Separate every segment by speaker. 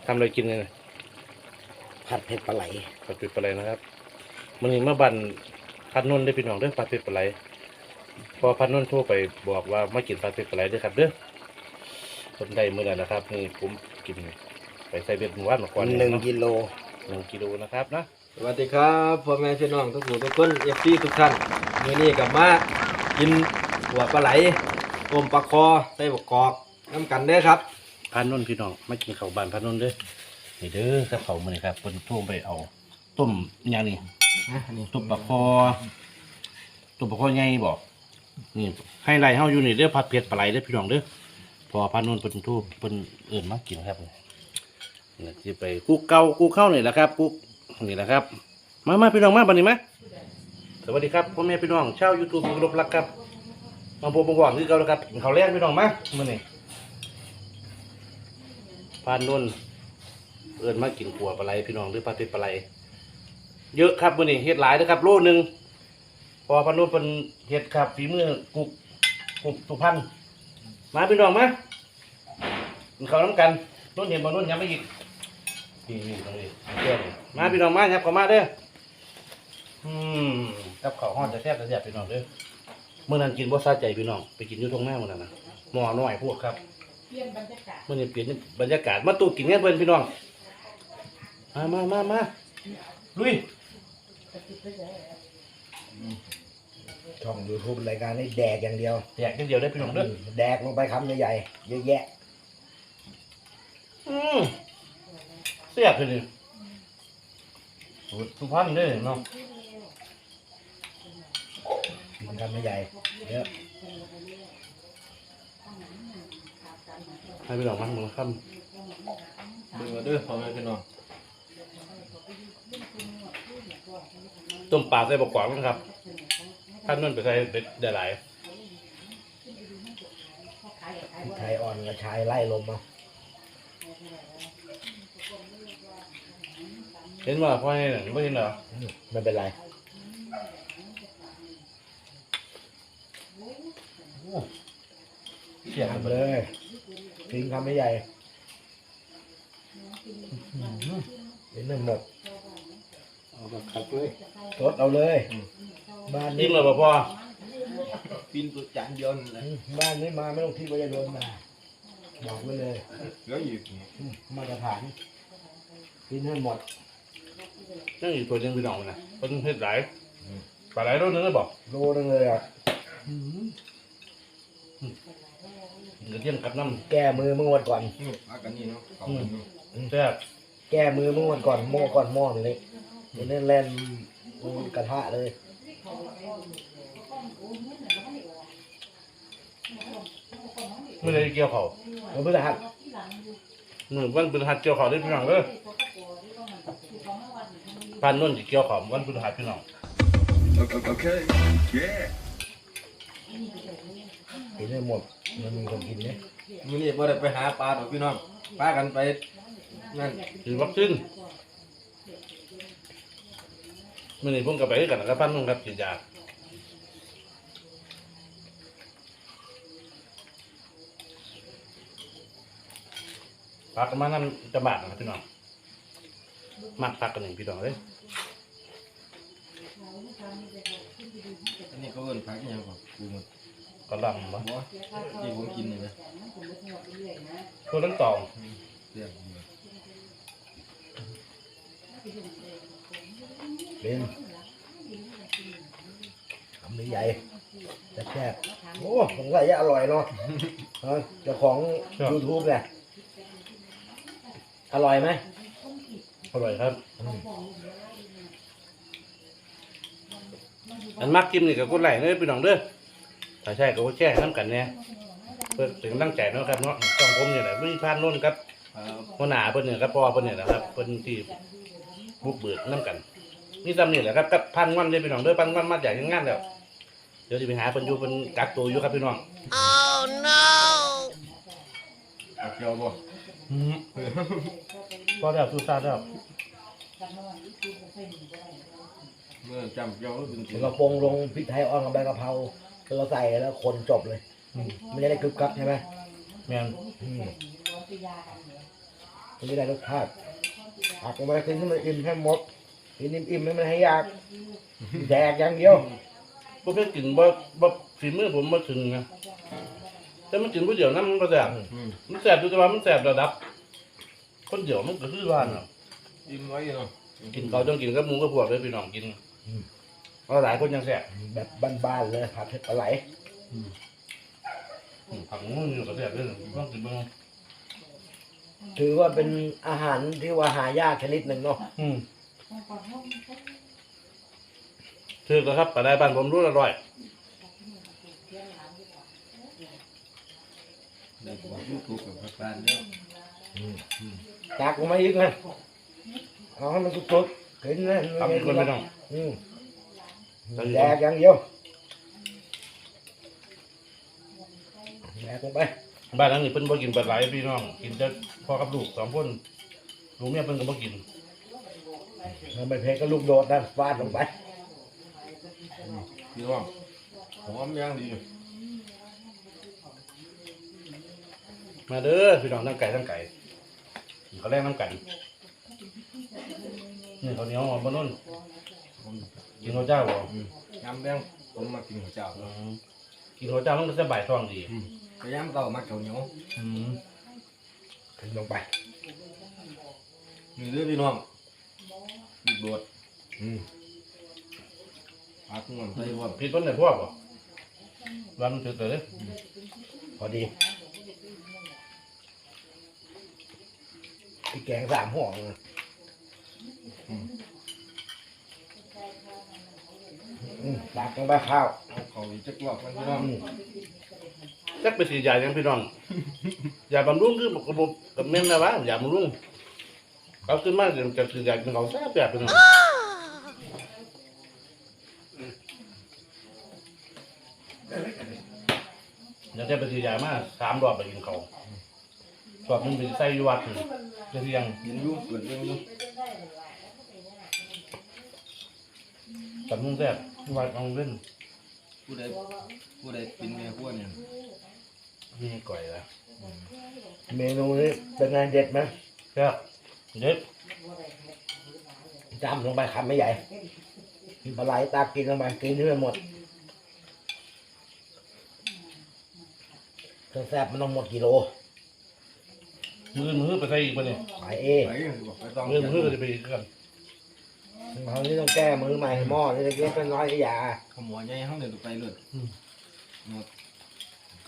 Speaker 1: ทำอะไรกินเนี่ย
Speaker 2: ผัดเผ็ดปลาไหล
Speaker 1: ผัดเผ็ดปลาไหลนะครับมันนี้มาบันพัดนุ่นได้พี่น้องเด้อผัดเผ็ดปลาไหลพอพัดนุ่นโทรไปบอกว่ามากินผัดเผ็ดปลาไหลด้วยครับเด้อคนใดเมื่อไหร่นะครับนี่ผมกินไปใส่เบ็ดหมู่บ้านมาก่อน
Speaker 2: 1 กิโล
Speaker 1: 1 กิโลนะครับนะ
Speaker 3: สวัสดีครับพ่อแม่พี่น้องทุกผู้ทุกคนเอฟซีทุกท่านมื้อนี้กลับมากินหัวปลาไหลต้มปลาคอใส่บกกอกน้ำกันเด้อครับ
Speaker 1: พัดนุ่นพี่น้องมากินข้าวบ้านพัดนุ่นเด้อนี่เด้อกับเขาวมื้อนี้ครับเพิ่นโทรไปเอาต้มอย่างนี้
Speaker 3: นี่
Speaker 1: ต้มปลาคอใหญ่บอกนี่ให้ไรเฮาอยู่นี่เด้อผัดเผ็ดปลาไหลเด้อพี่น้องเด้อพอพัดนุ่นเพิ่นโทรเพิ่นเอิ้นมากินครับนี่สิไปกุ๊กเข้านี่แหละครับกุ๊กนี่แหละครับมาพี่น้องมาบัดนี้มั้ยสวัสดีครับพ่อแม่พี่น้องชาว YouTube ที่เคารพรักครับมาพบมาหวังคือเก่าแล้วครับกินข้าวแลงพี่น้องมามื้อนี้พัดนุ่นเอิ้นมากินขัวปลาไหลพี่น้องหรือผัดเผ็ดปลาไหลเยอะครับมื้อนี้เฮ็ดหลายเด้อครับโลนึงพอพัดนุ่นเพิ่นเฮ็ดครับฝีมือกุ๊กสุพรรณมาพี่น้องมากินข้าวน้ำกันนุ่นเห็นบ่นุ่นยังไม่อีกนี่ตรงนี้เดี๋ยวนี่มาพี่น้องมาครับเข้ามาเด้อกับข้าวฮ้อนจะแซ่บพี่น้องเด้อมื้อนั้นกินบ่สะใจพี่น้องไปกินอยู่ตรงหน้ามื้อนั้นน่ะหม้อน้อยพวกครับมื้อนี้เปลี่ยนบรรยากาศมาตู้กินกันเพิ่นพี่น้องมาลุย
Speaker 2: ช่อง YouTube รายการนี้แดกอย่างเดียว
Speaker 1: แยกกันเดียวได้พี่น้องเด้อ
Speaker 2: แดกลงไปคำใหญ่ๆเยอะแยะ
Speaker 1: เสียบเลยสูตรสุพรรณเด้อเนาะ
Speaker 2: กินคำใหญ่เยอะ
Speaker 1: ให้พี่น้องมามื้อค่ำ
Speaker 3: เบิ่งเอาเด้อพ่อแม่พี่น้อง
Speaker 1: ต้มปลาใส่บกกวางนะครับท่านนั่นไปใส่เบ็ดได้หลาย
Speaker 2: พริกไทยอ่อนกระชายไล่ลมมา
Speaker 1: เห็นว่าพ่อให้หนังไม่เห็นเหรอ
Speaker 2: ไม่เป็นไร
Speaker 1: เสียบ
Speaker 2: ทำเลยทิ้งคำใหญ่เห็นไม่หมด
Speaker 3: เอาแบบคักเลย
Speaker 2: สดเอาเลยบ้าน
Speaker 1: ยิ่
Speaker 2: นี้
Speaker 1: งเลยพ่อ
Speaker 3: กินตัวจานเดียวนั่นแหละ
Speaker 2: บ้านนี้มาไม่ต้องทิ้งไว้จะโดนมาบอกไว้เลย
Speaker 3: แล้วอีกนี่
Speaker 2: มาตรฐานกินให้หมด
Speaker 1: นั่งอยู่ตัวยังพี่น้องนะเป็นเห็ดหลายปลาไหลรสนึงเลยบอก
Speaker 2: โลนึงเลยอ่ะ
Speaker 1: เดี๋ยวเที่ยงกับน้
Speaker 2: แก้มือเมื่อวันก่อน
Speaker 3: นี่พักกันนี่เนาะเขากันนี่
Speaker 1: ำแซ่บ
Speaker 2: แก้มือเมื่อวันก่อนหม้อก่อนหม้อเล็กมันเล่นเล่นกระทะเลย
Speaker 1: ไม่ได้เกี่ยวเขา
Speaker 2: มันเพื่อหัด
Speaker 1: วันพฤหัสเกี่ยวเขาได้พี่น้องเลยพันนุ่นจะเกี่ยวเขาวันพฤหัสพี่น้อง
Speaker 4: Okay. Yeah.
Speaker 2: กินให้หมดมันมีคนกินเนี่ย
Speaker 3: มื้อนี้บ่ได้ไปหาปลาดอกพี่น้องพากันไปนั่น
Speaker 1: ฉีดวัคซีนมื่อนี้ผมกับไปกันนะครับพันนุ่นครับฉีดยาพักกันมานั่นจะบาดนะครับพี่น้องมักพักกันหนึ่งพี่น้องเลย
Speaker 3: อันนี้เขาเอิ้นพักอิหยังของกูหมด
Speaker 1: ก็ลำบ่
Speaker 3: บ่ที่ผมกินนี่นะ
Speaker 1: ตัวนั้นตอง
Speaker 3: เรียกนี่
Speaker 2: เป็นคำใหญ่แต่แซ่บโอ้ผมว่าจะอร่อยเนาะเจ้าของ YouTube เนี่ยอร่อยไหม
Speaker 1: อร่อยครับอันมักกินนี่กับกดไลค์เด้อพี่น้องเด้อถ้าใช่ก็กดแชร์ให้น้ำกันเนี่ยเพื่อถึงตั้งใจเนาะครับเนาะต้องผมเนี่ยแหละไม่พลาดโน่นครับ
Speaker 3: ครับ
Speaker 1: หัวหน้าเพิ่นเนี่ยครับพ่อเพิ่นเนี่ยนะครับเพิ่นที่บุกเบิกน้ำกันนี่ซ้ำนี่แหละครับกับพันวันเลยพี่น้องเด้อพันวันมาจากงานแล้วเดี๋ยวจะไปหาเพิ่นอยู่เพิ่นกักตัวอยู่ครับพี่น้อง
Speaker 3: เอาเกี่ยวบ่
Speaker 1: พอแล้วสู้ซาแล้ว
Speaker 3: เมื่อจำเกี่ยวแล้วเป็นสิ
Speaker 2: เราปรุงลงพริกไทยอ่อนกับใบกะเพราเราใส่แล้วคนจบเลยมันจะได้กรึบกรับใช่ไหม
Speaker 1: แม่น
Speaker 2: อืมมันไม่ได้รสชาติผักลงไปกินให้มันอิ่มให้หมดกินอิ่มๆให้มันให้อยากแดกอย่างเดียว
Speaker 1: พวกเพื่อนกินบ่ฝีมือผมมาถึงนะแต่มันกินผู้เดียวนั้นมันก็แสบมันแสบดูแต่ว่ามันแสบระดับ คนเดียวมันก็คือว่าน่ะ
Speaker 3: อิ่มไว้เนาะ
Speaker 1: กินเขาต้องกินกับหมูกับพวกเลยพี่น้องกินเพราะหลายคนยังแสบ
Speaker 2: แบบบ้านๆเลยผัดเผ็ดปลาไหล
Speaker 1: ผักหมูอยู่กับแสบเลยต้องกินบ้าง
Speaker 2: ถือว่าเป็นอาหารที่ว่าหายากชนิดหนึ่งเนาะ
Speaker 1: ถือก็ครับปลาได้บ้านผมรู้อร่อย
Speaker 3: เด็กบอกยูทูบกับพานเนี่ย
Speaker 2: ตักลงมาอีกนะเอาให้มันสุดๆกินนะ
Speaker 1: ทำคนไม่ต้อง
Speaker 2: แดกอย่างเดียวแดกลงไป
Speaker 1: บ้านหลังนี้เพิ่นบ่กินปลาไหลพี่น้องกินแต่พ่อกับลูกสองคนลูกเมียเพิ่นก็บ่กิน
Speaker 2: เอาไปเพก็ลูกโดดนั่นฟาดลงไป
Speaker 3: พี่น้องหอมย่างดี
Speaker 1: มาเด้อพี่น้องทั้งไก่ทั้งไก่เขาแลกน้ำกันนี่เขาวเหนียวหอมบนนุ่นกินข้าวเจ้าบ่
Speaker 3: ยำแดงผมมากินหัวเจ้า
Speaker 1: กินข้าวเจ้ามันก็สบายท้องดี
Speaker 3: พยายามเก่ามาเก่าเหนียว
Speaker 2: ขึ้นลงไป
Speaker 3: มีเรื่องพี่น้องมีบดพักงอนใส่ว่า
Speaker 1: ผิดคนไหนพวกบ่วันมันถือเลย
Speaker 2: พอดีพี่แกง3 ห่อนะตักลงไปข้าว
Speaker 3: เอาเขาอีกจักรอบมันพี่น้อง
Speaker 1: จักไปสียายังพี่น้องยาบำรุงคือบอกกับแม่นนะวะยาบำรุงเขาขึ้นมาจะสียาเป็นเขาแซ่บแบบพี่น้องยังจะไปสียามา3 รอบไปกินเขาสอบมันไปใส่อยู่วัดนี่จะเรียง
Speaker 3: เห็นอยุ่เกิดเรื่องอยุ่
Speaker 1: ตัดมุ้งแซ่บวัดเอาเล่น
Speaker 3: ผู้ใดเป็นแม่พวกเนี่ย
Speaker 1: นี่ก่อยละ
Speaker 2: เมนูนี้เป็นไงเด็ดไหม
Speaker 1: แซ่บเด็ด
Speaker 2: จำลงไปคำไม่ใหญ่ปลาไหลตากกินลงไปกินให้หมดเครื่องแซ่บมันต้องหมดกิโล
Speaker 1: มือไปใส่อีกปะเนี่ย
Speaker 2: ขายเอ
Speaker 3: ไปบอกไปต้อง
Speaker 1: มือก็จะไปอีกกัน
Speaker 2: คราวนี้ต้องแก้มือใหม่หม้อนี่เล็กๆน้อยๆก็อย่า
Speaker 3: ขโมยใหญ่ห้องเดินไปเลยหมดก็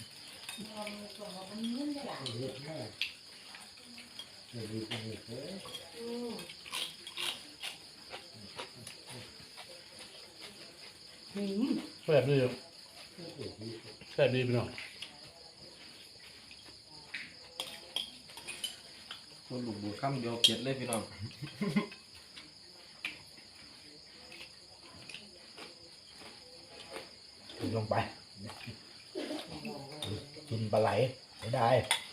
Speaker 1: แซ่บดีแซ่บดีพี่น้อง
Speaker 3: คนลูกบัวค่ำเดียวเก็ดเลยพี่น้อง
Speaker 2: กินลงไปกินปลาไหลไม่ได้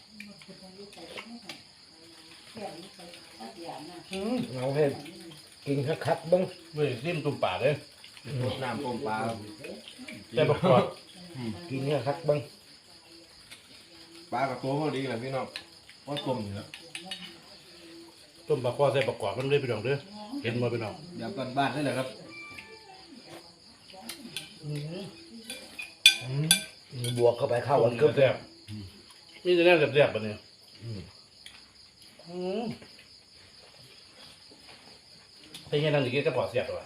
Speaker 2: เอาให้กินคักๆบ้าง
Speaker 1: เว้ยซิมตุ่มปากเลย
Speaker 3: น้ำต้มปลา
Speaker 1: แต่ประกอบ
Speaker 2: กินคักๆบ้าง
Speaker 3: ปลากับตัวพอดีแหละพี่น้องว่าต้มอยู่แล้ว
Speaker 1: ต้มปลาคอใส่ประกอบมันเลยพี่น้องเด้อเห็นมาพี่น้อง
Speaker 3: แบบบ้านๆได้เลยครับ
Speaker 2: บวกเข้าไปเข้ากัน
Speaker 1: ก็
Speaker 2: ก็
Speaker 1: แซ่บมีแต่แน่แซ่บๆปะเนี่ยเป็นยังไงนั่นอีกก็ปลอดเสียบตัว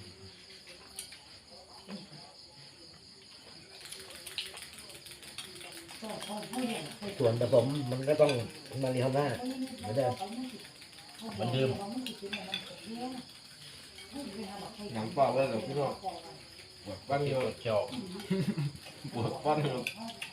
Speaker 2: ส่วนผสมมันก็ต้องมารีเท่าหน้าไม่ได้
Speaker 1: มันดื่ม
Speaker 3: หนังปลาไว้กับพี่น้องปวดปั้น
Speaker 1: มี
Speaker 3: เย
Speaker 1: ก
Speaker 3: อะ
Speaker 1: ดเขียว
Speaker 3: ปวดปั้นเยอะ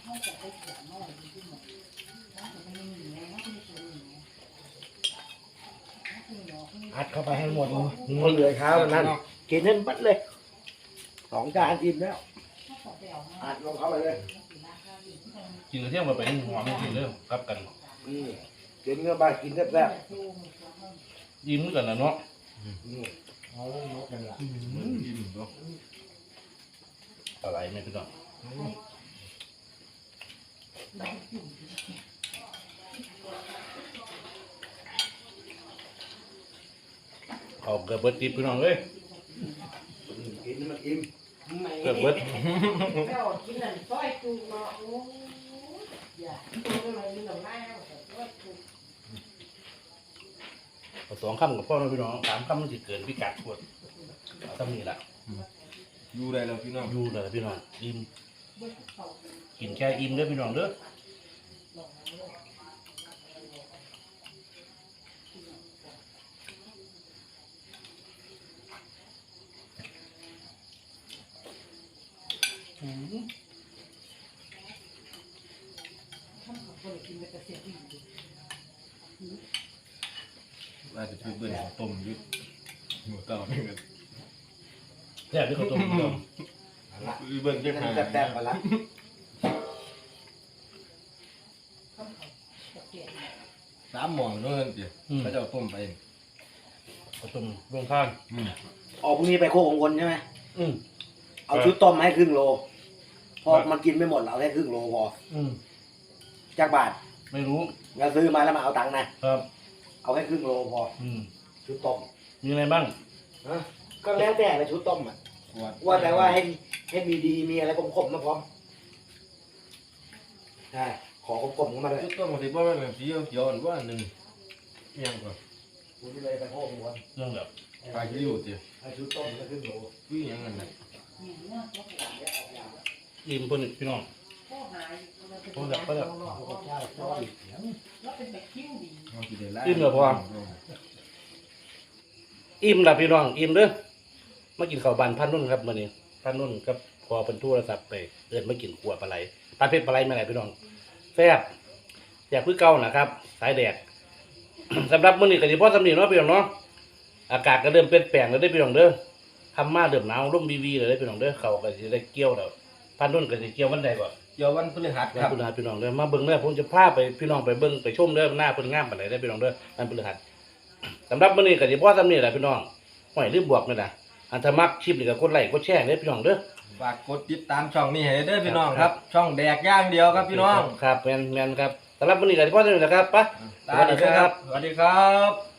Speaker 2: อัดเข้าไปให้หมดมันเหลือเช้าวันนั้นกินให้มัดเลย2 จานอิ่มแล้วอัดลงเข้าไปเลย
Speaker 1: กินกระเทียมมาไปหอมจริงๆเด้อครับกัน
Speaker 2: กินเข้าไปกินแซ่บ
Speaker 1: ยิ้มเหมือนกันนะเนาะ
Speaker 2: เอายกกันละ
Speaker 3: กินเนาะ
Speaker 1: อะไรไม่พี่น้องเอาเกือบเบิดติบพี่น้องเอ้ย
Speaker 2: กินมันอิ่ม
Speaker 1: เกือบเบิด
Speaker 5: แล้วกินนั่นซอยจูเนาะโอ้ยอย่าตัวอะไรนี่เราไล่แล้วแต่ซอยจู
Speaker 1: เอา2คำกับพ่อนะพี่น้อง3คำมันสิเกินพิกัดพวดเอาซ้ำนี่ล่ะ
Speaker 3: อยู่ได้แล้วพี่น้อง
Speaker 1: อยู่เลยพี่น้องอิ่มกินแค่อิ่มเด้อพี่น้องเด้ออืม
Speaker 3: อาจจะช่วยเบิ่นข้าวต้มอยุดหมูต่อนี่กัน
Speaker 1: แซ่บที่เขาต้มพี่น้อง
Speaker 2: ละ
Speaker 3: เบิ่น
Speaker 2: กิ
Speaker 3: จั
Speaker 2: น
Speaker 3: ง
Speaker 2: มัน
Speaker 3: หา
Speaker 2: แซ่บๆมาละ
Speaker 3: 3 หม้อเนาะเดี๋ยวเขาจะเอาต้มไป
Speaker 1: เขาต้มรวมข้าง
Speaker 2: ออกพรุ่งนี้ไปโคกของคนใช่ไหม
Speaker 1: อืม
Speaker 2: เอาชุดต้มให้ครึ่งโลพอมันกินไม่หมดเราเอาแค่ครึ่งโลพอ
Speaker 1: อืม
Speaker 2: จากบาท
Speaker 1: ไม่รู้
Speaker 2: เราซื้อมาแล้วมาเอาตังค์นะครับ เอาแค่ครึ่งโลพอ
Speaker 1: อืม
Speaker 2: ชุดต้ม
Speaker 1: มีอะไรบ้าง
Speaker 2: ก็แล้วแต่ในชุดต้มอ่ะว่าแต่ว่าให้มีดีมีอะไรขมๆมาพร้อมใช่ขอขมๆเข้ามาเลย
Speaker 3: ชุดต้มของที่บ่แม่นแบบสีเขียวๆอันว่าหนึงอิหยังก่อน
Speaker 2: คุณเลยไปโคกของคน
Speaker 1: เรื่องแบบ
Speaker 3: ปลาคิริวติ
Speaker 2: ให้ชุดต้มก็ครึ่งโล
Speaker 3: คืออิหยังนั่นน่ะ
Speaker 1: อิ่มเพิ่นอีกพี่น้อง
Speaker 5: พ่อหาย
Speaker 1: โอ้แบบก็แบบ
Speaker 5: แล้วเป็นแบบคิ้วดี
Speaker 3: เอาสิได้หลาย
Speaker 1: อิ่มเหรอพ่อ อิ่มละพี่น้องอิ่มเด้อมากินข้าวบานพันนุ่นครับมื้อนี้พันนุ่นกับพอเป็นโทรศัพท์ไปเอิ้นมากินขัวปลาไหลปลาเผ็ดปลาไหลมาไหนพี่น้องแซ่บอยากคือเก่านะครับ สายแดด สำหรับมื้อนี้ก็สิพอสำนีเนาะพี่น้องเนาะอากาศก็เริ่มเปลี่ยนแปลงแล้วเด้อพี่น้องเด้อทำมาเริ่มหนาวลมวีๆเลยเด้อพี่น้องเด้อเขาก็สิได้เกี่ยวแล้วพันนุ่นก็สิเกี่ยววันใดบ่
Speaker 3: เดี๋ยววันพฤหัส
Speaker 1: ค
Speaker 3: ค
Speaker 1: รั
Speaker 3: รั
Speaker 1: บบ คุณอาพี่น้องเด้อมาเบิ่งเด้อผมจะพาไปพี่น้องไปเบิ่งไปชมเด้อหน้าเพิ่นงามปานใดได้อพี่น้องเด้อมันพฤหัสสำหรับมื้อนี้ก็สิพอสำนี้แหละพี่น้องห้อยลืมบวกนี่ล่ะอันถ้ามักคลิปนี่ก็กดไลค์กดแชร์เด้อพี่น้องเด้อ
Speaker 3: ฝากกดติดตามช่องนี้ให้เด้อพี่น้องครับ ช่องแดกย่างเดียวครับพี่น้อง
Speaker 1: ครับแม่นๆครับสำหรับมื้อนี้ก็สิพอสำนี้แหละครับไป
Speaker 3: สวัสดีครับ สวัสดีครับ